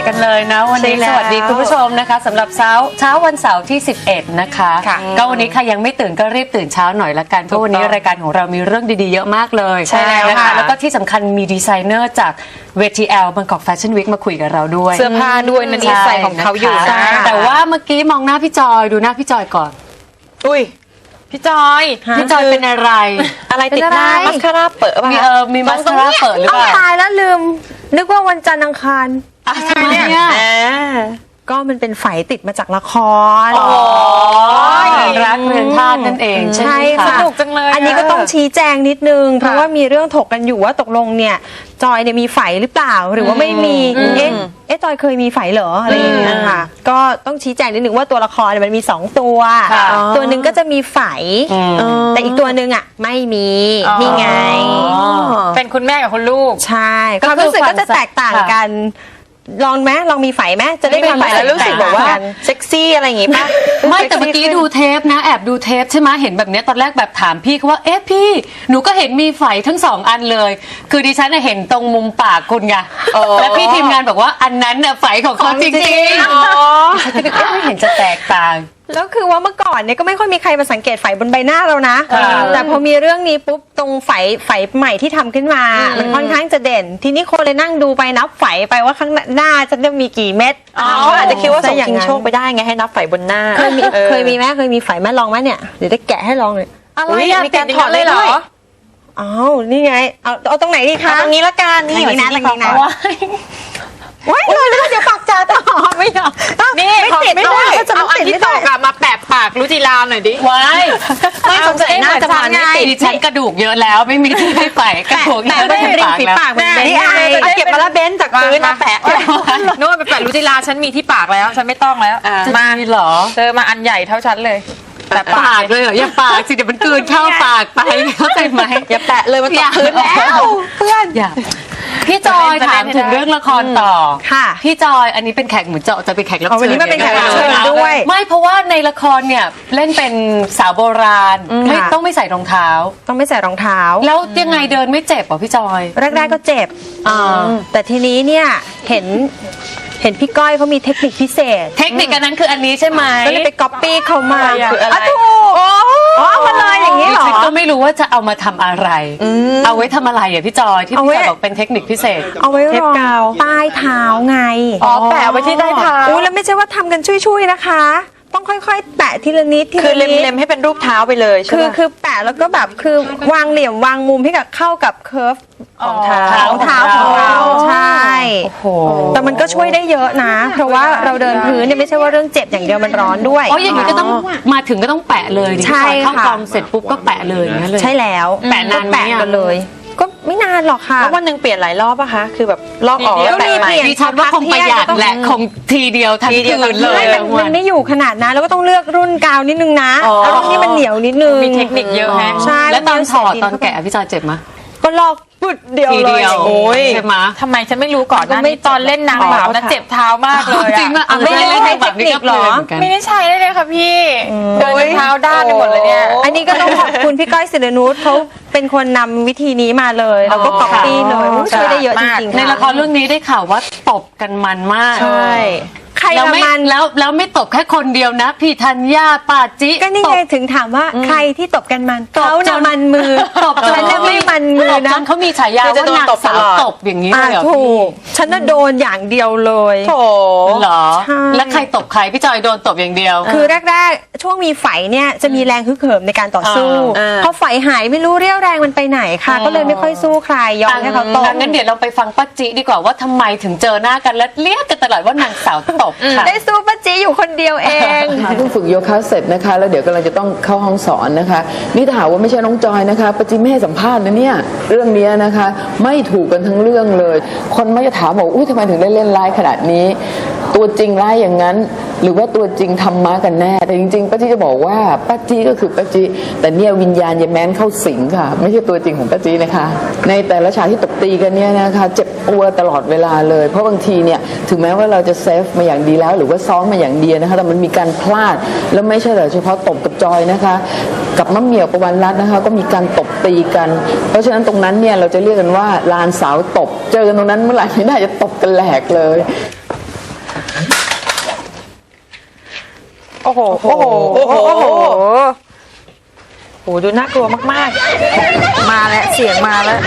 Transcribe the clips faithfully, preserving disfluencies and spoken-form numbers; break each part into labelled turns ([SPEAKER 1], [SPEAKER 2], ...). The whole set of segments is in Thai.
[SPEAKER 1] กันเลยนะวันนี้สวัสดีคุณผู้ชมนะคะสำหรับเช้าเช้าวันเสาร์ที่สิบเอ็ดนะคะก็วันนี้ใครยังไม่ตื่นก็รีบตื่นเช้าหน่อยละกันเพราะวันนี้รายการของเรามีเรื่องดีๆเยอะมากเลยใช่แล้วนะคะแล้วก็ที่สำคัญมีดีไซเนอร์จากเวที แอล Bangkok Fashion Week มาคุยกับเราด้วย
[SPEAKER 2] เสื้อผ้าด้วยนะดีไซน์ของเขาอยู่นะ
[SPEAKER 1] แต่ว่าเมื่อกี้มองหน้าพี่จอยดูหน้าพี่จอยก่อน
[SPEAKER 2] อุ้ยพี่จอย
[SPEAKER 1] พี่จอยเป็นอะไร
[SPEAKER 2] อะไรติดหน้ามัสคาร่าเปิดป่ะ
[SPEAKER 1] มีเออมีมัสคาร่าเปิดหรือเปล่า
[SPEAKER 3] ตายแล้วลืมนึกว่าวันจันทร์อังคาร
[SPEAKER 1] ทำไมเนี่ย
[SPEAKER 3] ก็มันเป็นไฝติดมาจากละคร
[SPEAKER 1] อ๋อรักเรือนธาตุนั่นเอง
[SPEAKER 3] ใช่ค่ะ
[SPEAKER 2] สนุกจังเลย
[SPEAKER 3] อันนี้ก็ต้องชี้แจงนิดนึงเพราะว่ามีเรื่องถกกันอยู่ว่าตกลงเนี่ยจอยเนี่ยมีไฝหรือเปล่าหรือว่าไม่มีเอ๊ะเอ๊ะจอยเคยมีไฝเหรออะไรอย่างเงี้ยค่ะก็ต้องชี้แจงนิดนึงว่าตัวละครมันมีสองตัวตัวหนึ่งก็จะมีไฝแต่อีกตัวหนึ่งอ่ะไม่มีนี่ไง
[SPEAKER 2] เป็นคุณแม่กับคุณลูก
[SPEAKER 3] ใช่ความรู้สึกก็จะแตกต่างกันลองไหมลองมีไฝไหมจะได้ความแล้ว
[SPEAKER 2] รู้สึกแบบว่าเซ็กซี่อะไรอย่างงี้ป่ะ
[SPEAKER 1] ไม่แต่เมื่อกี้ดูเทปนะแอบดูเทปใช่ไหมเห็นแบบนี้ตอนแรกแบบถามพี่เขาว่าเอ๊ะพี่หนูก็เห็นมีไฝทั้งสองอันเลยคือดิฉันเห็นตรงมุมปากคุณไงแล้วพี่ทีมงานบอกว่าอันนั้นน่ะไฝของเขาจริงๆดิฉันก็นึกว่าไม่เห็นจะแตกต่าง
[SPEAKER 3] แล้วคือว่าเมื่อก่อนเนี่ยก็ไม่ค่อยมีใครมาสังเกตไฝบนใบหน้าเรานะแต่พอมีเรื่องนี้ปุ๊บตรงไฝไฝใหม่ที่ทำขึ้นมามันค่อนข้างจะเด่นทีนี้คนเลยนั่งดูไปนับไฝไปว่าข้างหน้าจะมีกี่เม็ด
[SPEAKER 2] เขาอาจจะคิดว่าส่งชิงโชคไปได้ไงให้นับไฝบนหน้า
[SPEAKER 3] เคยมีเคยมีไหมเคยมีไฝแม่ลองไหมเนี่ยเดี๋ยวจะแกะให้ลองเลย
[SPEAKER 2] อะไรมีการถอดเลยเหรอ
[SPEAKER 3] อ้าวนี่ไงเอาเอาตรงไหนดีคะ
[SPEAKER 2] ตรงนี้ละกันนี่
[SPEAKER 3] ตรงนี้นะตรงนี้นะว้ายเลยเดี๋ยวปากจ่าต่อไม่เอา
[SPEAKER 2] นี่ไม่ได้เอาอันที่ตอกมาแปะปากรุจิราหน่อยดิ
[SPEAKER 1] ว้าย
[SPEAKER 2] ไม่สงสัยน่าจะมาไม่ติด
[SPEAKER 1] ดิฉันกระดูกเยอะแล้วไม่มีที่ให้ใส่กระดูกเยอะ
[SPEAKER 3] ไม่ริมฝีปากมัน
[SPEAKER 2] นี่ไอเก็บมาแล้วเบนจากพื้นมาแปะโน้ตไปแปะรุจิราฉันมีที่ปากแล้วฉันไม่ต้องแล้ว
[SPEAKER 1] มาเหรอ
[SPEAKER 2] เจอมาอันใหญ่เท่าฉันเลย
[SPEAKER 1] แต่ปากเลยเหรออย่าปากสิเดี๋ยวมันกลืนเข้าปากไปเข้าใจไหม
[SPEAKER 2] อย่าแปะเลยมันตกพื้นแล้วเพื่อน
[SPEAKER 1] อย่าพี่จอยถามถึงเรื่องละครต่อ
[SPEAKER 3] ค่ะ
[SPEAKER 1] พี่จอยอันนี้เป็นแขกเหมือนเจาะจะเป็นแขกรับเชิญ
[SPEAKER 3] วันนี้มาเป็นแขกรับเชิญด้วย
[SPEAKER 1] ไม่เพราะว่าในละครเนี่ยเล่นเป็นสาวโบราณไม่ต้องไม่ใส่รองเท้า
[SPEAKER 3] ต้องไม่ใส่รองเท้า
[SPEAKER 1] แล้วยังไงเดินไม่เจ็บเหรอพี่จอย
[SPEAKER 3] แรกๆก็เจ็บแต่ทีนี้เนี่ยเห็นเห็นพี่ก้อยเขามีเทคนิคพิเศษ
[SPEAKER 1] เทคนิคอันนั้นคืออันนี้ใช่ไหม
[SPEAKER 3] ก็เลยไปก๊อปปี้เขามา
[SPEAKER 2] คืออะไร
[SPEAKER 3] ถูกอ๋อมาเลยอย่างนี้เหรอ
[SPEAKER 1] ฉันก็ไม่รู้ว่าจะเอามาทำอะไรเอาไว้ทำอะไรอ่ะพี่จอยที่พี่จอยบอกเป็นเทคนิคพิเศษ
[SPEAKER 3] เอาไว้รองใต้เท้าไง
[SPEAKER 2] อ๋อแปะไว้ที่ใต้เท้า
[SPEAKER 3] อู้แล้วไม่ใช่ว่าทำกันช่วยๆนะคะต้องค่อยๆแปะทีละนิดทีละนิด
[SPEAKER 2] คือเล็มๆให้เป็นรูปเท้าไปเลยใช่ไหม
[SPEAKER 3] คือคือแปะแล้วก็แบบคือวางเหลี่ยมวางมุมให้กับเข้ากับเคิร์ฟ
[SPEAKER 2] ของเท้า
[SPEAKER 3] ของเท้าของเราใช่
[SPEAKER 1] โอ้โห
[SPEAKER 3] แต่มันก็ช่วยได้เยอะนะเพราะว่าเราเดินพื้นเนี่ยไม่ใช่ว่าเรื่องเจ็บอย่างเดียวมันร้อนด้วย
[SPEAKER 1] อ๋ออย่างนี้ก็ต้องมาถึงก็ต้องแปะเลย
[SPEAKER 3] ใช่
[SPEAKER 1] ค่ะเข้ากองเสร็จปุ๊บก็แปะเลยนั่นเลย
[SPEAKER 3] ใช่แล้ว
[SPEAKER 1] แปะนานไหม
[SPEAKER 3] กันเลยก็ไม่นานหรอกค่ะ
[SPEAKER 2] แล้ววันหนึ่งเปลี่ยนหลายรอบป่ะคะคือแบบรอบออกแล้วแปะใหม่
[SPEAKER 1] ดิฉันว่าคงประหยัดแหละคงทีเดียวทั้งคืนเลย
[SPEAKER 3] มันไม่อยู่ขนาดนั้นแล้วก็ต้องเลือกรุ่นกาวนิดนึงนะเอารุ่นที่มันเหนียวนิดนึง
[SPEAKER 2] มีเทคนิคเยอะแฮะ
[SPEAKER 3] ใช่
[SPEAKER 1] แล้วตอนถอดตอนแกะพี่จอยเจ็บไหม
[SPEAKER 3] ก็ลอกปุ๊ดเดียวเลย
[SPEAKER 1] โอ้ยใช่ไหม
[SPEAKER 2] ทำไมฉันไม่รู้ก่อนนะไม่ตอนเล่นนางแบบนะเจ็บเท้ามากเลย
[SPEAKER 1] จริงอ่ะ
[SPEAKER 3] ไม่ได้ใช้เทคนิคหรอ
[SPEAKER 2] ไม่ได้ใช้เลยค่ะพี่เดินเท้าด้านไปหมดเลยเนี่ย
[SPEAKER 3] อันนี้ก็ต้องขอบคุณพี่ก้อยศิรนุชเขาเป็นคนนำวิธีนี้มาเลยแล้วก็ก๊อปปี้เลยช่วยได้เยอะจริงๆ
[SPEAKER 1] ในละครเรื่องนี้ได้ข่าวว่าตบกันมันมาก
[SPEAKER 3] ใช่ใครละมัน
[SPEAKER 1] แล้วแล้วไม่ตบแค่คนเดียวนะพี่ธัญญาป้าจิ
[SPEAKER 3] ก็นี่ไงถึงถามว่าใครที่ตบกันมันเขาน่ะมันมือ
[SPEAKER 1] ตบ
[SPEAKER 3] ฉันน่ะไม่มันมือนะ
[SPEAKER 1] เขามีฉายาว่านางสาวตบอย่างนี้เลยเหรอ
[SPEAKER 3] ถูกฉันน่ะโดนอย่างเดียวเลย
[SPEAKER 1] โถเหรอแล้วใครตบใครพี่จอยโดนตบอย่างเดียว
[SPEAKER 3] คือแรกๆช่วงมีไฝเนี่ยจะมีแรงฮึกเหิมในการต่อสู้พอไฝหายไม่รู้เรี่ยวแรงมันไปไหนค่ะก็เลยไม่ค่อยสู้ใครยอมให้เขาตบ
[SPEAKER 1] งั้นเดี๋ยวเราไปฟังป้าจิดีกว่าว่าทำไมถึงเจอหน้ากันแล้วเรียกกันตลอดว่านางสาวตบ
[SPEAKER 3] ได้สู้ป้าจีอยู่คนเดียวเอง
[SPEAKER 4] เพิ่งฝึกโยคะเสร็จนะคะแล้วเดี๋ยวกำลังจะต้องเข้าห้องสอนนะคะนี่ถ้าหากว่าไม่ใช่น้องจอยนะคะป้าจีไม่ให้สัมภาษณ์นะเนี่ยเรื่องนี้นะคะไม่ถูกกันทั้งเรื่องเลยคนมักจะถามบอกอุ้ยทำไมถึงได้เล่นร้ายขนาดนี้ตัวจริงร้ายอย่างนั้นหรือว่าตัวจริงทำม้ากันแน่แต่จริงๆป้าจีจะบอกว่าป้าจีก็คือป้าจีแต่เนี่ยวิญญาณยายแม้นเข้าสิงค่ะไม่ใช่ตัวจริงของป้าจีนะคะในแต่ละฉากที่ตบตีกันเนี่ยนะคะเจ็บปวดตลอดเวลาเลยเพราะบางทีเนี่ยถึงแม้ว่าเราจะเซฟมาอย่างดีแล้วหรือว่าซ้อมมาอย่างดีนะคะแต่มันมีการพลาดแล้วไม่ใช่แต่เฉพาะตบกับจอยนะคะกับมะเหมี่ยวประวันรัตน์นะคะก็มีการตบตีกันเพราะฉะนั้นตรงนั้นเนี่ยเราจะเรียกกันว่าลานสาวตบเจอกันตรงนั้นเมื่อไหร่ไม่ได้จะตบกันแหลกเลย
[SPEAKER 2] โอ้โหโอ้โหโอ้โหโอ้โหโอ้โหดูน่ากลัวมากๆมาแล้วเสียงมาแล้ว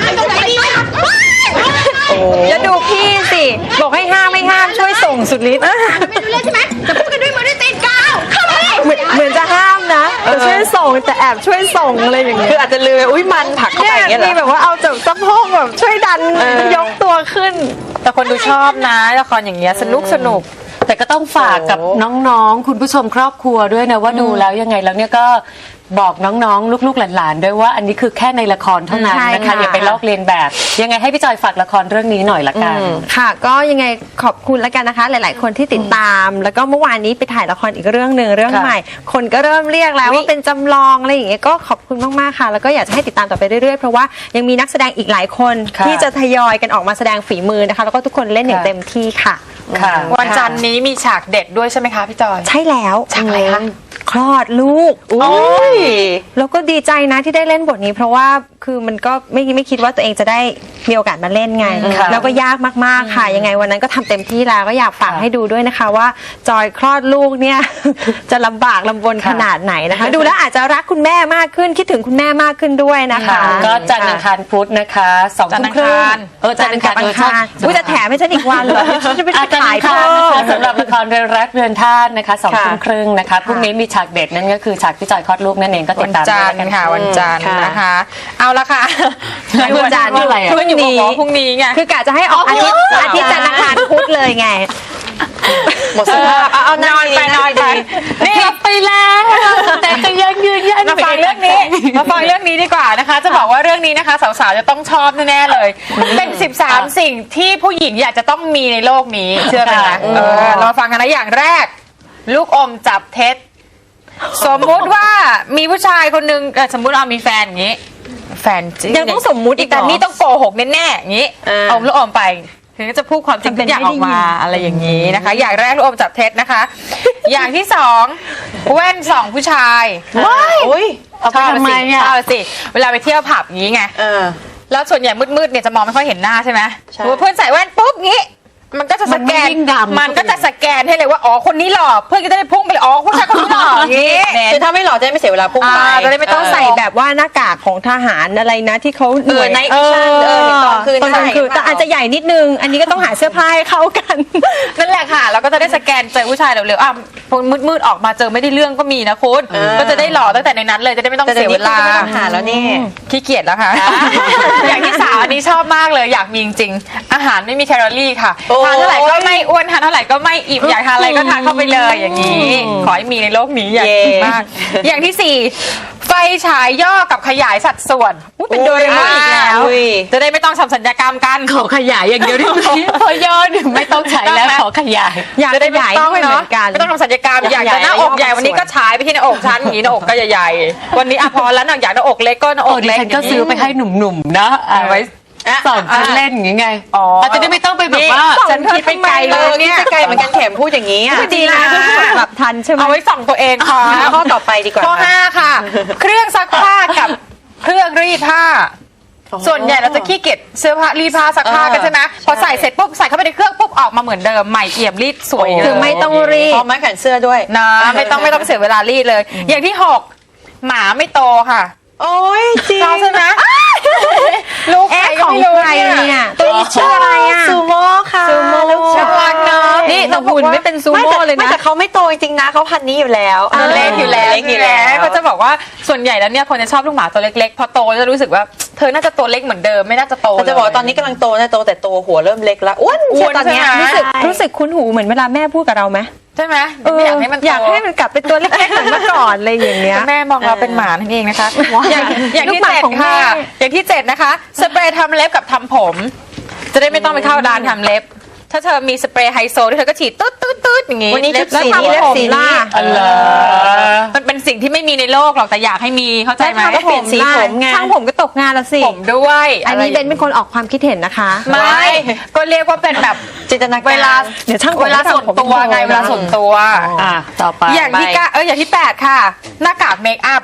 [SPEAKER 2] โอ้โห
[SPEAKER 3] จะดูพี่สิ บอกให้ห้ามไม่ห้ามช่วยส่งสุดฤทธิ์
[SPEAKER 5] ไม่รู้เรื่องใช่ไหมจะพูดกันด้วยมือด้วยตีนกาวเข้ามาเลย
[SPEAKER 3] เหมือนเหมือนจะห้ามนะแต่ช่วยส่งแต่แอบช่วยส่งอะไรอย่างเงี้ย
[SPEAKER 2] คืออาจจะลืมอุ้ยมันผลักเข้าไปอย่างเงี้ยเหร
[SPEAKER 3] มี
[SPEAKER 2] อ
[SPEAKER 3] แบบว่าเอาจากสะโพกแบบช่วยดัน
[SPEAKER 2] เออ
[SPEAKER 3] ยกตัวขึ้น
[SPEAKER 2] แต่คนดูชอบนะละครอย่างเงี้ยสนุกสนุก
[SPEAKER 1] แต่ก็ต้องฝากกับ
[SPEAKER 2] โอ้
[SPEAKER 1] น้องๆ คุณผู้ชมครอบครัวด้วยนะว่าดูแล้วยังไงแล้วเนี่ยก็บอกน้องๆ ลูกๆหลานๆด้วยว่าอันนี้คือแค่ในละครเท่านั้น
[SPEAKER 3] ใช่
[SPEAKER 1] นะคะ
[SPEAKER 3] ค่ะ
[SPEAKER 1] อย่าไปลอกเลียนแบบ ยังไงให้พี่จอยฝากละครเรื่องนี้หน่อยละกัน
[SPEAKER 3] ค่ะ ก็ยังไงขอบคุณแล้วกันนะคะ หลาย ๆ คนที่ติดตาม แล้วก็เมื่อวานนี้ไปถ่ายละครอีกเรื่องหนึ่งเรื่อง
[SPEAKER 1] ค่ะ
[SPEAKER 3] ใหม่ คนก็เริ่มเรียกแล้วว่าเป็นจำลองอะไรอย่างเงี้ยก็ขอบคุณมากๆค่ะ แล้วก็อยากจะให้ติดตามต่อไปเรื่อยๆเพราะว่ายังมีนักแสดงอีกหลายคน
[SPEAKER 1] ค่ะ
[SPEAKER 3] ที่จะทยอยกันออกมาแสดงฝีมือนะคะ แล้วก็ทุกคนเล่นอย่าง
[SPEAKER 1] ค่ะ
[SPEAKER 3] เต็มที่ค่ะ
[SPEAKER 1] ค่ะ
[SPEAKER 2] วันจันทร์นี้มีฉากเด็ดด้วยใช่ไหมคะพี่จอย
[SPEAKER 3] ใช่แล้ว
[SPEAKER 2] ฉากอะไรคะ
[SPEAKER 3] คลอดลูก
[SPEAKER 2] โอ้ย
[SPEAKER 3] แล้วก็ดีใจนะที่ได้เล่นบทนี้เพราะว่าคือมันก็ไม่ไม่คิดว่าตัวเองจะได้มีโอกาสมาเล่นไง
[SPEAKER 1] ค่ะ
[SPEAKER 3] แล้วก็ยากมากๆค่ะ ยังไงวันนั้นก็ทำเต็มที่แล้วก็อยากฝาก
[SPEAKER 1] ค่ะ
[SPEAKER 3] ให้ดูด้วยนะคะว่าจอยคลอดลูกเนี่ย จะลำบากลำบน
[SPEAKER 1] ค่ะ
[SPEAKER 3] ขนาดไหนนะคะ ดูแล้วอาจจะรักคุณแม่มากขึ้นคิดถึงคุณแม่มากขึ้นด้วยนะคะ
[SPEAKER 1] ค่ะก็จันทร์อังคารพุธนะคะสองทุ่มครึ่ง
[SPEAKER 2] จันทร์อังคาร
[SPEAKER 1] เออจันทร์อังคาร
[SPEAKER 3] จันทร์
[SPEAKER 1] เอ
[SPEAKER 3] อั
[SPEAKER 1] อง ใช่
[SPEAKER 3] คารอุ้ยจะแถมให้ฉันอีกวันเหรอฉันจะไป
[SPEAKER 1] อาจารย์
[SPEAKER 3] ถ่าย
[SPEAKER 1] อังคาร
[SPEAKER 3] เพิ่
[SPEAKER 1] นะคะ
[SPEAKER 3] ม
[SPEAKER 1] สำหรับละครเรือนรักเรือนธาตุนะคะสอง
[SPEAKER 2] ค่ะ
[SPEAKER 1] ทุ่มครึ่งนะคะพรุ่งนี้มีฉากเด็ดนั่นก็คือฉากพี่จอยคลอดลูกนั่นเองก็ติ
[SPEAKER 2] วั
[SPEAKER 1] ด
[SPEAKER 2] น
[SPEAKER 1] ตาม
[SPEAKER 2] จั
[SPEAKER 1] ด้วย
[SPEAKER 2] นท
[SPEAKER 1] กั
[SPEAKER 2] ร์ค่ะวันจันทร์
[SPEAKER 1] ค่ะ
[SPEAKER 2] นะคะ เอาละค่ะ
[SPEAKER 3] วันจันทร์
[SPEAKER 1] อะไรอะ
[SPEAKER 2] เพื่อนอยู่บอกว่าพรุ่งนี้ไง
[SPEAKER 3] คือกะจะให้ออกอาทิตย์อาทิตย์จันทร์อังคารพุธเลยไง
[SPEAKER 2] หมดสภาพเอาเอานอนไปนอนไปนี่
[SPEAKER 1] กลับไปแล้วแต่ก็ยังยืนยัน
[SPEAKER 2] มาฟังเรื่องนี้มาฟังเรื่องนี้ดีกว่านะคะ จะบอกว่าเรื่องนี้นะคะสาวๆจะต้องชอบแน่ๆเลย เป็นสิบสามสิ่งที่ผู้หญิงอยากจะต้องมีในโลกนี้เชื่อไหมคะเออเรามาฟังกันนะอย่างแรก ลูกอมจับเท็จ สมมุติว่ามีผู้ชายคนนึงเอ่อสมมุติเรามีแฟนอย่างนี้ แฟนจริ
[SPEAKER 3] ยังต้องสมมุติอีกเหรอ
[SPEAKER 2] แต่นี่ต้องโกหกแน่ๆอย่างนี้
[SPEAKER 3] เออ
[SPEAKER 2] เอาลูกอมไปถึงจะพูดความจริงทุกอย่างออกมาอะไรอย่างนี้นะคะ อย่างแรกลูกอมจับเท็จนะคะ อย่างที่สองแว่นส่องผู้ชายว้าย
[SPEAKER 1] เอาไปทำไมอ่ะ
[SPEAKER 2] ชอบสิเวลาไปเที่ยวผับอย่างนี้ไงแล้วส่วนใหญ่มืดๆเนี่ยจะมองไม่ค่อยเห็นหน้าใช่ไหมเพื่อนใส่แว่นปุ๊บงี้ มันก็จะสแกน
[SPEAKER 1] มันไม่ยิ่งดำ
[SPEAKER 2] มันก็จะสแกนให้เลยว่าอ๋อคนนี้หล่อเพื่อนก็จะได้พุ่งไปเลยอ๋อผู้ชายคนนี้หล่ออย่างนี้
[SPEAKER 6] คือถ้าไม่หล่อจะได้ไม่เสียเวลาพุ่งไป
[SPEAKER 2] อ่าจะได้ไม่
[SPEAKER 3] ต้องใส่แบบว่าหน้ากากของทหารอะไรนะที่เขาหน่วย
[SPEAKER 6] เออ night vision เออตอนคืน
[SPEAKER 3] ตอนกลางคืน
[SPEAKER 6] ใส่
[SPEAKER 3] แต่อาจจะใหญ่นิดนึง อันนี้ก็ต้องหาเสื้อผ้าให้เข้ากัน
[SPEAKER 2] นั่นแหละค่ะเราก็จะได้สแกนเจอผู้ชายเร็วๆอ่ะมืดๆออกมาเจอไม่ได้เรื่องก็มีนะคุณก็จะได้หล่อตั้งแต่ในนั้นเลยจะได้ไม่ต้อง
[SPEAKER 6] แต่
[SPEAKER 2] เสี
[SPEAKER 6] เดี๋ย
[SPEAKER 2] ยว เว
[SPEAKER 6] นี้คุณ
[SPEAKER 2] ลา
[SPEAKER 6] ก็ไม่ต้องหาแล้วนี่
[SPEAKER 2] ขี้เกียจแล้วค่ะ อย่างที่สามอันนี้ชอบมากเลยอยากมีจริงๆอาหารไม่มีแคลอรี่ค่ะ
[SPEAKER 6] โอ้ย
[SPEAKER 2] ทานเท่าไหร่ก็ไม่อ้วนทานเท่าไหร่ก็ไม่อิ่มอยากทานอะไรก็ทานเข้าไปเลยอย่างนี้ ขอให้มีในโลกนี้อยากกินมาก อย่างที่สี่ไฟฉายย่อกับขยายสัดส่วน
[SPEAKER 3] เป็นโดเรมอนอีกแล้ว
[SPEAKER 6] อุ้ย
[SPEAKER 2] จะได้ไม่ต้องทำสัญญกรรมกัน
[SPEAKER 1] ขอขยายอย่างเดียวได้ไหมพอยอดไม่ต้องใช้แล้วขอขยาย
[SPEAKER 3] อยาก
[SPEAKER 2] จะได้
[SPEAKER 3] ข
[SPEAKER 2] ไม่
[SPEAKER 3] ยาย
[SPEAKER 2] ต้อง
[SPEAKER 3] ด้วยเหมื
[SPEAKER 2] เนาะ
[SPEAKER 3] อนกัน
[SPEAKER 2] ไม่ต้องทำสัญญกรรมอยาก ก
[SPEAKER 3] อายข
[SPEAKER 2] จะ
[SPEAKER 3] ยาย
[SPEAKER 2] หน้าอก
[SPEAKER 3] ย่อ
[SPEAKER 2] ใหญ่วันนี้ก็ฉายไปที่หน้าอกฉันอย่างนี้หน้าอกก็ใหญ่ๆวันนี้อ่ะพอแล้วหนักอยากหน้าอกเล็กก็หน้าอ
[SPEAKER 1] โอ้
[SPEAKER 2] ก
[SPEAKER 1] ดิ
[SPEAKER 2] เล็ก
[SPEAKER 1] ฉันก็ซื้อไปให้หนุ่มๆนะเอาไว้สอนฉันเล่นอย่างงี้ไง
[SPEAKER 2] อ๋ออา
[SPEAKER 1] จจะได้ไม่ต้องไปแบบว่า
[SPEAKER 2] ฉันคิดไปไกลเลยเนี่ย
[SPEAKER 6] ไกลเหมือนกันแถมพูดอย่างนี้อ่ะ
[SPEAKER 3] ดีนะแบบทันใช่ไหม
[SPEAKER 2] เอาไว้ส่องตัวเองค่ะ
[SPEAKER 6] ข้อต่อไปดีกว่า
[SPEAKER 2] ข้อห้าค่ะ เครื่องซักผ้ากับเครื่องรีดผ้า ส่วนใหญ่เราจะขี้เกียจเสื้อผ้ารีดผ้าซักผ้ากันใช่ไหมพอใส่เสร็จปุ๊บใส่เข้าไปในเครื่องปุ๊บออกมาเหมือนเดิมใหม่เอี่ยมรีดสวยเลย
[SPEAKER 3] คือไม่ต้องรี
[SPEAKER 6] พ
[SPEAKER 3] บ
[SPEAKER 6] ร้อมไม้แขวนเสื้อด้วย
[SPEAKER 2] นะไม่ต้องไม่ต้องเสียเวลารีดเลย อย่างที่หกหมาไม่โตค่ะ
[SPEAKER 6] โอ้ยจริง
[SPEAKER 2] เราใช่ไหมลูกใคร
[SPEAKER 3] เอ๊ะ
[SPEAKER 2] ก็
[SPEAKER 3] ของ
[SPEAKER 2] ไม่รู้
[SPEAKER 3] ใคร
[SPEAKER 2] เนี่ย
[SPEAKER 3] เนี่ยตัวนี้ชื่ออะไรอ่ะ
[SPEAKER 6] ซูโม่ค่ะ
[SPEAKER 3] ซูโม่
[SPEAKER 6] ลูกชาย
[SPEAKER 2] น่ารักเนอะ
[SPEAKER 3] นี่แต่หุ่นไม่เป็นซูโม่เลย
[SPEAKER 6] ไม่
[SPEAKER 3] นะ
[SPEAKER 6] แต่เขาไม่โตจริงๆนะเขาพันนี้อยู่แล้ว
[SPEAKER 2] ตัวเล็กอยู่แล้ว
[SPEAKER 6] เล็กอยู่แล้ว
[SPEAKER 2] ก็จะบอกว่าส่วนใหญ่แล้วเนี่ยคนจะชอบลูกหมาตัวเล็กๆ พอโตจะรู้สึกว่าเธอน่าจะตัวเล็กเหมือนเดิมไม่น่าจะโต
[SPEAKER 6] เขาจะบอกว่าตอนนี้กำลังโตนะโตแต่ตัวหัวเริ่มเล็กแล้วอ้วน
[SPEAKER 2] อ้
[SPEAKER 6] เชีย
[SPEAKER 2] วน
[SPEAKER 6] ตอนเนี้ย
[SPEAKER 2] ใช่ไหม
[SPEAKER 3] รู้สึกรู้สึกคุ้นหูเหมือนเวลาแม่พูดกับเราไหม
[SPEAKER 2] ใช่ไหม
[SPEAKER 3] เออ
[SPEAKER 2] ไม่อยากให้มันโต
[SPEAKER 3] อยากให้มันกลับเป็นตัวเล็กๆเหมือนเมื่อก่อนอะไรอย่างเงี้ย
[SPEAKER 2] แม่มองเราเป็นหมานั่นเองนะคะ อย่างอย่างที่
[SPEAKER 3] ลูกหมา
[SPEAKER 2] เจ็ด
[SPEAKER 3] ของแม่
[SPEAKER 2] ค่ะ อย่างที่เจ็ดนะคะ สเปรย์ทำเล็บกับทำผม จะได้ไม่ต้องไปเข้าร้านทำเล็บ ถ้าเธอมีสเปรย์ไฮโซที่เธอก็ฉีดตืดตืดตืดอย่างงี้
[SPEAKER 6] วันนี้ชุด
[SPEAKER 2] แล้ว
[SPEAKER 6] สีนี้
[SPEAKER 2] ทำ
[SPEAKER 6] เล็บ
[SPEAKER 2] ผม
[SPEAKER 6] สีนี้
[SPEAKER 1] อันเหรอ
[SPEAKER 2] มันเป็นสิ่งที่ไม่มีในโลกหรอกแต่อยากให้มีเข้าใจไหม
[SPEAKER 6] ก็เปลี่ยนสีผมไง
[SPEAKER 3] ช่างผมก็ตกงานละสิ
[SPEAKER 2] ผมด้วย
[SPEAKER 3] อันนี้เบนเป็นคนออกความคิดเห็นนะคะ
[SPEAKER 2] ไม่ก็เรียกว่าเป็นแบบ
[SPEAKER 6] จินตนาการ
[SPEAKER 2] เวลา
[SPEAKER 3] เดี๋ยวช่างผม
[SPEAKER 2] เวลาส่วนตัวไง
[SPEAKER 3] ทำผม
[SPEAKER 2] เวลาส่วนตัว
[SPEAKER 1] อ่ะต่อไป
[SPEAKER 2] อย่างที่เก้าเอออย่างที่แปดค่ะ หน้ากากเมคอัพ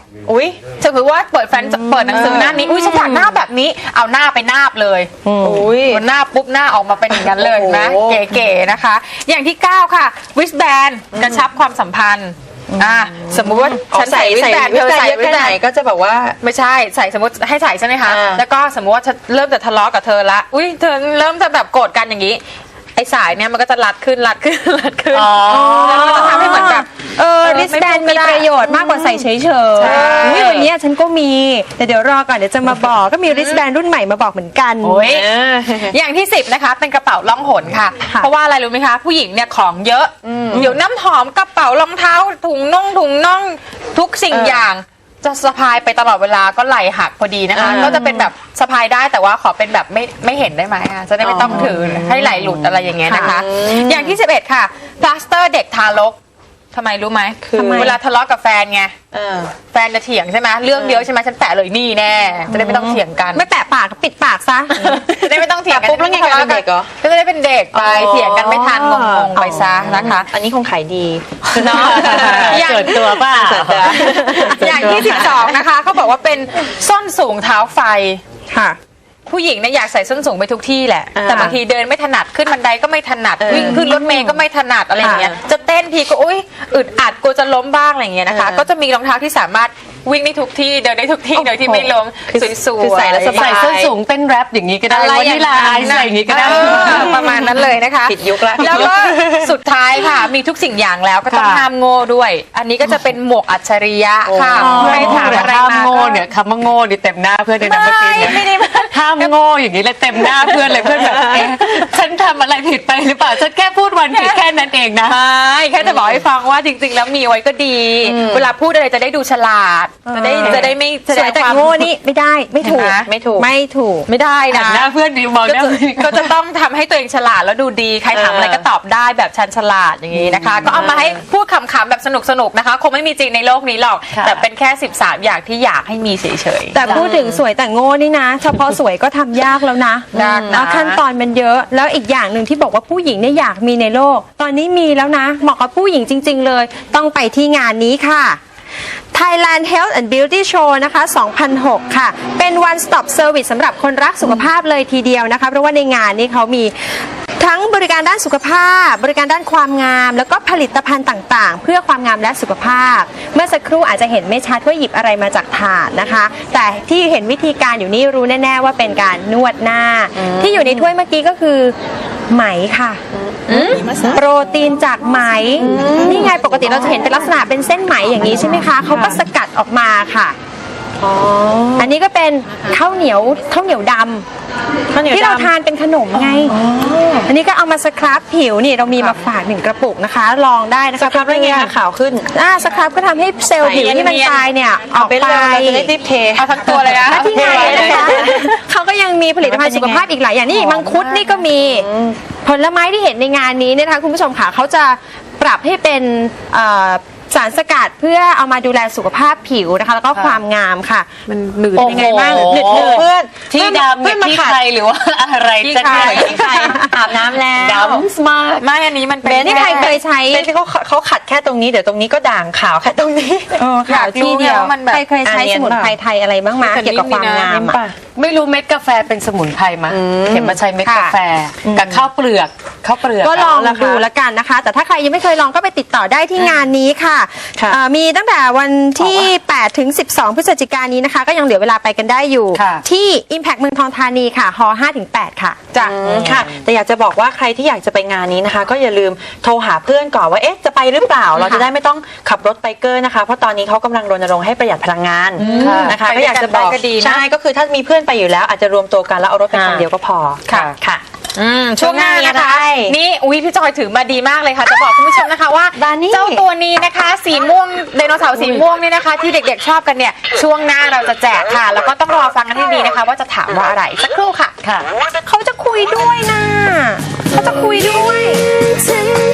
[SPEAKER 6] อุ้ย
[SPEAKER 2] สมมติว่าเปิดแฟนเปิดหนังสือหน้านี้ อุ้ยฉันอยากหน้าแบบนี้ เอาหน้าไปนาบเลย
[SPEAKER 6] อุ้ย
[SPEAKER 2] มันหน้าปุ๊บหน้าออกมาเป็นอย่างนั้นเลยนะ
[SPEAKER 6] โอ้โห
[SPEAKER 2] เก๋ๆนะคะ อย่างที่เก้าค่ะวิสแบนกระชับความสัมพันธ์อ่าสมมุติว่าฉันใส่วิสแบนเธอใส่
[SPEAKER 6] เยอะ
[SPEAKER 2] วิส
[SPEAKER 6] แค่
[SPEAKER 2] แบ
[SPEAKER 6] ไหน
[SPEAKER 2] น
[SPEAKER 6] ก็จะแบบว่า
[SPEAKER 2] ไม่ใช่ใส่สมมติให้ใส่ใช่ไหมคะ
[SPEAKER 6] อ่า
[SPEAKER 2] แล้วก็สมมติว่าฉันเริ่มจะทะเลาะกับเธอละอุ้ยเธอเริ่มจะแบบโกรธกันอย่างนี้ไอ้สายเนี่ยมันก็จะรัดขึ้นรัดขึ้นรัดขึ้นแล้วมันก็จะทำให้เหมือนแบบ
[SPEAKER 3] เออ
[SPEAKER 2] เออ
[SPEAKER 3] ริสแบน
[SPEAKER 2] ไม่
[SPEAKER 3] มี
[SPEAKER 2] พูดก็ได้
[SPEAKER 3] ประโยชน์มากกว่าใส่เฉยๆ
[SPEAKER 2] ใช่
[SPEAKER 3] อุ๊ยวันนี้ฉันก็มีแต่เดี๋ยวรอก่อนเดี๋ยวจะมาบอกก็มีริสแบนรุ่นใหม่มาบอกเหมือนกัน
[SPEAKER 2] โอ้ยอย่างที่สิบนะคะเป็นกระเป๋าล่องหนค่ะ
[SPEAKER 3] ค่ะ
[SPEAKER 2] เพราะว่าอะไรรู้ไหมคะผู้หญิงเนี่ยของเยอะเดี๋ยวน้ำหอมกระเป๋ารองเท้าถุงน่องถุงน่องทุกสิ่งอย่างจะสะพายไปตลอดเวลาก็ไหลหักพอดีนะคะ
[SPEAKER 6] อ่า
[SPEAKER 2] ก็จะเป็นแบบสะพายได้แต่ว่าขอเป็นแบบไม่ไม่เห็นได้ไหมอะจะได้ไม่ต้องถือให้ไหลหลุดอะไรอย่างเงี้ยนะคะ อย่างที่สิบเอ็ดค่ะพลาสเตอร์เด็กทารกทำไมรู้ไหม
[SPEAKER 6] คือ
[SPEAKER 2] เวลาทะเลาะกับแฟนไง
[SPEAKER 6] เออ
[SPEAKER 2] แฟนจะเถียงใช่ไหมเรื่องเดียวใช่ไหมฉันแปะเลยนี่แน่จะได้ไม่ต้องเถียงกัน
[SPEAKER 3] ไม่แปะปากก็ปิดปากซะ
[SPEAKER 2] จะได้ไม่ต้องเถียงกัน
[SPEAKER 6] ปุ๊บแล้วไงกลายเป็นเด็กเหรอ
[SPEAKER 2] ก็จะได้เป็นเด็กไป
[SPEAKER 6] อ๋อ
[SPEAKER 2] เถียงกันไม่ทันงงๆไปซะนะคะ
[SPEAKER 6] อันนี้คงขายดี
[SPEAKER 2] เนาะอย่าง
[SPEAKER 1] เกิดตัวเปล่า
[SPEAKER 2] อย่างที่สิบสองนะคะเขาบอกว่าเป็นส้นสูงเท้าไฟ
[SPEAKER 3] ค่ะ
[SPEAKER 2] ผู้หญิงเนี่ยอยากใส่ส้นสูงไปทุกที่แหละ
[SPEAKER 6] อ่า
[SPEAKER 2] แต่บางทีเดินไม่ถนัดขึ้นบันไดก็ไม่ถนัด
[SPEAKER 6] เออ
[SPEAKER 2] วิ่งขึ้นรถเมล์ก็ไม่ถนัดอะไรอย่างเงี้ย
[SPEAKER 6] อ่า
[SPEAKER 2] จะเต้นทีก็อุ้ยอึดอัดกลัวจะล้มบ้างอะไรอย่างเงี้ยนะคะ
[SPEAKER 6] เออ
[SPEAKER 2] ก็จะมีรองเท้าที่สามารถวิ่งได้ทุกที่เดินได้ทุกที่โดยที่ไม่ล้ม
[SPEAKER 6] คือ
[SPEAKER 2] สวยๆ
[SPEAKER 6] คือใส่แล้วสบาย
[SPEAKER 1] ใส่ส้นสูงเต้นแรปอย่างนี้ก็ได้
[SPEAKER 2] อะไร
[SPEAKER 1] วัน
[SPEAKER 2] อย่า
[SPEAKER 1] นี้
[SPEAKER 2] ง
[SPEAKER 1] ลา
[SPEAKER 2] นั้น
[SPEAKER 1] ใส่อย่างนี้ก็ได้
[SPEAKER 2] เออประมาณนั้นเลยนะคะ
[SPEAKER 6] ผิดยุคละ
[SPEAKER 2] แล้วก็สุดท้ายค่ะ มีทุกสิ่งอย่างแล้วก็ต้อง
[SPEAKER 1] ค่ะ
[SPEAKER 2] ห้ามโง่ด้วย อันนี้ก็จะเป็นหมวกอัจฉริยะค่ะ
[SPEAKER 1] อ๋อ
[SPEAKER 2] ใครถามอะไร
[SPEAKER 1] ห้าม
[SPEAKER 2] มา
[SPEAKER 1] โง่
[SPEAKER 2] ก็
[SPEAKER 1] เนี่ยคำว่าโง่นี่เต็มหน้าเพื่อนเลยนะเมื่อกี้เนี่ย
[SPEAKER 2] ไม่ได้
[SPEAKER 1] ห้ามโง่อย่างนี้เลยเต็มหน้าเพื่อนเลยเพื่อนแบบเอ๊ะฉันทำอะไรผิดไปหรือเปล่าฉันแค่พูดวันผิดแค่นั้นเองนะ
[SPEAKER 2] ใช่แค่จะบอกให้ฟังว่าจริงๆ แล้วมีไว้ก็ดี เวลาพูดอะไรจะได้ดูฉลาด จะได้จะได้ไม่แส
[SPEAKER 3] ส
[SPEAKER 2] ด
[SPEAKER 3] วย
[SPEAKER 2] ง
[SPEAKER 3] แต่
[SPEAKER 2] ความ
[SPEAKER 3] โง่นี่ไม่ได้ไม่ถูก
[SPEAKER 2] เห็นไหม
[SPEAKER 6] ไม่ถูก
[SPEAKER 3] ไม่ถูก
[SPEAKER 2] ไม่ได้
[SPEAKER 1] หัน
[SPEAKER 2] นะ
[SPEAKER 1] หน้าเพื่อนดีมองห
[SPEAKER 2] ก็
[SPEAKER 1] น้า
[SPEAKER 2] จะ
[SPEAKER 1] เพื่อน
[SPEAKER 2] ก็จะต้องทำให้ตัวเองฉลาดแล้วดูดีใครถามอะไรก็ตอบได้แบบชันฉลาดอย่างนี้นะคะ ก็เอามาให้พูดขำๆแบบสนุกๆนะคะ คงไม่มีจริงในโลกนี้หรอก
[SPEAKER 1] ค่ะ
[SPEAKER 2] แต่เป็นแค่สิบสามอย่างที่อยากให้มีเฉยๆ
[SPEAKER 3] แต่พูดถึงสวยแต่โง่นี่นะ เฉพาะสวยก็ทำยากแล้วนะ
[SPEAKER 2] ยากนะ
[SPEAKER 3] แล้วขั้นตอนมันเยอะ แล้วอีกอย่างหนึ่งที่บอกว่าผู้หญิงเนี่ยอยากมีในโลก ตอนนี้มีแล้วนะ เหมาะกับผู้หญิงจริง ๆ เลย ต้องไปที่งานนี้ค่ะ Thailand Health and Beauty Show นะคะ สองพันหก ค่ะ เป็น one stop service สำหรับคนรักสุขภาพเลยทีเดียวนะคะ เพราะว่าในงานนี้เขามีทั้งบริการด้านสุขภาพ บริการด้านความงาม แล้วก็ผลิตภัณฑ์ต่างๆ เพื่อความงามและสุขภาพ เมื่อสักครู่อาจจะเห็นไม่ชัดว่าหยิบอะไรมาจากถาดนะคะ แต่ที่เห็นวิธีการอยู่นี่รู้แน่ๆว่าเป็นการนวดหน้า ที่อยู่ในถ้วยเมื่อกี้ก็คือไหมค่ะ โปรตีนจากไหม นี่ไงปกติเราจะเห็นเป็นลักษณะเป็นเส้นไหมอย่างนี้ใช่ไหมคะ เขาก็สกัดออกมาค่ะ อันนี้ก็เป็นข้าวเหนียวข้าวเหนียวดำ
[SPEAKER 6] ข้าวเหนียว
[SPEAKER 3] ที่เรา
[SPEAKER 6] ดำ
[SPEAKER 3] ทานเป็นขนมไง อันนี้ก็เอามาสครับผิวนี่เรามีมาฝากหนึ่งกระปุกนะคะ ลองได้นะ
[SPEAKER 6] ส
[SPEAKER 3] คะ
[SPEAKER 6] ครับได้ไงคะขาวขึ้น
[SPEAKER 3] อ่าสครับก็ทำให้เซลล์ผิวที่มันตายเนี่ยออก
[SPEAKER 6] ไป
[SPEAKER 3] ไป
[SPEAKER 6] เลยเราจะได้รีบเท
[SPEAKER 2] เอาทั้งตัวเลยนะ
[SPEAKER 3] และที่งานนี้นะคะเขาก็ยังมีผลิตภัณฑ์สุขภาพอีกหลายอย่างนี่มังคุดนี่ก็มีผลไม้ที่เห็นในงานนี้เนี่ยนะคะคุณผู้ชมค่ะเขาจะปรับให้เป็นเอ่อสารสกัดเพื่อเอามาดูแลสุขภาพผิวนะคะ แล้วก็ความงามค่ะ มันหนืดยังไงบ้าง
[SPEAKER 1] โอ้โห
[SPEAKER 3] หนืดหนืด
[SPEAKER 6] เพื่อน
[SPEAKER 1] ที่ดำเนี่ยที่ใครหรือว่าอะไร
[SPEAKER 2] ที่
[SPEAKER 1] จะ
[SPEAKER 2] ใคร
[SPEAKER 1] ได้
[SPEAKER 6] ที่ใครอาบน้ำแล้ว
[SPEAKER 1] ดำมาก
[SPEAKER 2] ไม่อันนี้มันเป็น
[SPEAKER 6] เบน
[SPEAKER 3] นี่ใครเคยใช้
[SPEAKER 6] เป็นที่เขาเขาขัดแค่ตรงนี้เดี๋ยวตรงนี้ก็ด่างขาวแค่ตรงนี้
[SPEAKER 3] เออค่ะที่เดียว
[SPEAKER 2] อยากรู้ไงว่ามันแบบ
[SPEAKER 3] ใครเคยใช้
[SPEAKER 6] อ่ะเนีย
[SPEAKER 3] ส
[SPEAKER 6] น
[SPEAKER 3] มุนไพรไทยอะไรบ้างมา
[SPEAKER 2] แต่
[SPEAKER 3] เกี่ยวกับความงาม
[SPEAKER 2] นี่
[SPEAKER 3] อะ
[SPEAKER 2] ป่ะ
[SPEAKER 1] ไม่รู้เม็ดกาแฟเป็นสมุนไพรมาเห็นมาใช้เม็ดกาแฟกับข้าวเปลือกข้าวเปลือก
[SPEAKER 3] ก็ลอง
[SPEAKER 1] เาละค่ะ
[SPEAKER 3] ดูแล้วกันนะคะ แต่ถ้าใครยังไม่เคยลองก็ไปติดต่อได้ที่งานนี้ค่ะ
[SPEAKER 6] ค่ะ
[SPEAKER 3] เอ่อมีตั้งแต่วันที่ แปดถึงสิบสอง พฤศจิกายนนี้นะคะ ก็ยังเหลือเวลาไปกันได้อยู่
[SPEAKER 1] ค่ะ
[SPEAKER 3] ที่ Impact เมืองทองธานีค่ะฮห้าถึงแปดค่ะ
[SPEAKER 6] จ้ะค่ะ แต่อยากจะบอกว่าใครที่อยากจะไปงานนี้นะคะ ก็อย่าลืมโทรหาเพื่อนก่อนว่าเอ๊ะจะไปหรือเปล่า เราจะได้ไม่ต้องขับรถไปเกอร์นะคะ เพราะตอนนี้เขากำลังรณรงค์ให้ประหยัดพลังงานนะคะ
[SPEAKER 2] ไป
[SPEAKER 6] ก็
[SPEAKER 2] ด้วย
[SPEAKER 6] อยากจะบอก
[SPEAKER 2] กันได้ก็ดีนะ
[SPEAKER 6] ใช่ก็คือถ้ามีเพื่อนไปอยู่แล้วอาจจะรวมตัวกันแล้วเอารถไปคันเดียวก็พอ
[SPEAKER 2] ค่ะ
[SPEAKER 6] ค่ะ
[SPEAKER 2] อืมช่วงหน้านะคะ
[SPEAKER 6] ช่วงหน้ามีอะไร
[SPEAKER 2] นี่อุ้ยพี่จอยถือมาดีมากเลยค่ะ จะบอกคุณผู้ชมนะคะว่า
[SPEAKER 6] บานี่
[SPEAKER 2] เจ้าตัวนี้นะคะ สีม่วงไดโนเสาร์สีม่วงนี่นะคะ ที่เด็กๆชอบกันเนี่ยช่วงหน้าเราจะแจกค่ะ แล้วก็ต้องรอฟังกันให้ดีนะคะ ว่าจะถามว่าอะไรสักครู่ค่ะ
[SPEAKER 1] ค่ะ
[SPEAKER 3] เขาจะคุยด้วยนะเขาจะคุยด้วย
[SPEAKER 5] ฉัน